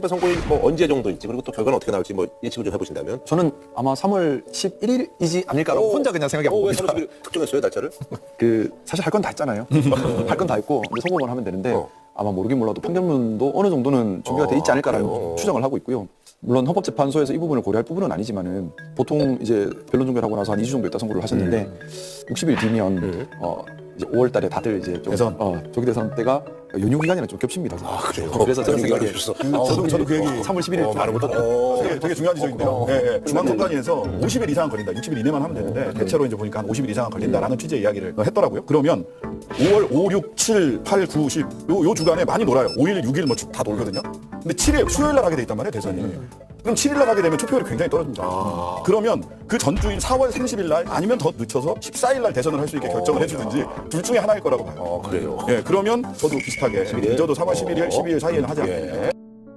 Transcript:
총선 선거일 뭐 언제 정도일지 그리고 또 결과는 어떻게 나올지 뭐 예측을 좀 해보신다면. 저는 아마 3월 11일이지 않을까라고 혼자 그냥 생각해 왜 봅니다. 30일 특정했어요 날짜를? 사실 할 건 다 했잖아요. 할 건 다 했고 이제 선거만 하면 되는데 아마 모르긴 몰라도 판결문도 어느 정도는 준비가 돼 있지 않을까라는 그래요? 추정을 하고 있고요. 물론 헌법재판소에서 이 부분을 고려할 부분은 아니지만은 보통 이제 변론 종결하고 나서 한 2주 정도 있다 선고를 하셨는데 60일 뒤면 이제 5월 달에 다들 이제 좀 대선. 조기 대선 때가 연휴 기간이랑 좀 겹칩니다. 그래요? 그래서 저는 연휴 생각에 기간이 저도 그 얘기 3월 11일 말을 못하네. 되게 중요한 지적인데요. 중앙선관위에서 50일 이상 걸린다, 60일 이내만 하면 되는데 대체로 이제 보니까 한 50일 이상 걸린다라는 취지의 이야기를 했더라고요. 그러면 5월 5, 6, 7, 8, 9, 10 요 주간에 많이 놀아요. 5일, 6일 뭐 다 놀거든요. 근데 7일 수요일 날 하게 돼 있단 말이에요, 대선이. 그럼 7일 날 하게 되면 투표율이 굉장히 떨어집니다. 그러면 그 전주인 4월 30일 날 아니면 더 늦춰서 14일 날 대선을 할 수 있게 결정을 해주든지 둘 중에 하나일 거라고 봐요. 그래요. 예, 그러면 저도 비슷하게 저도 3월 11일, 12일 사이에는 하지 않겠냐.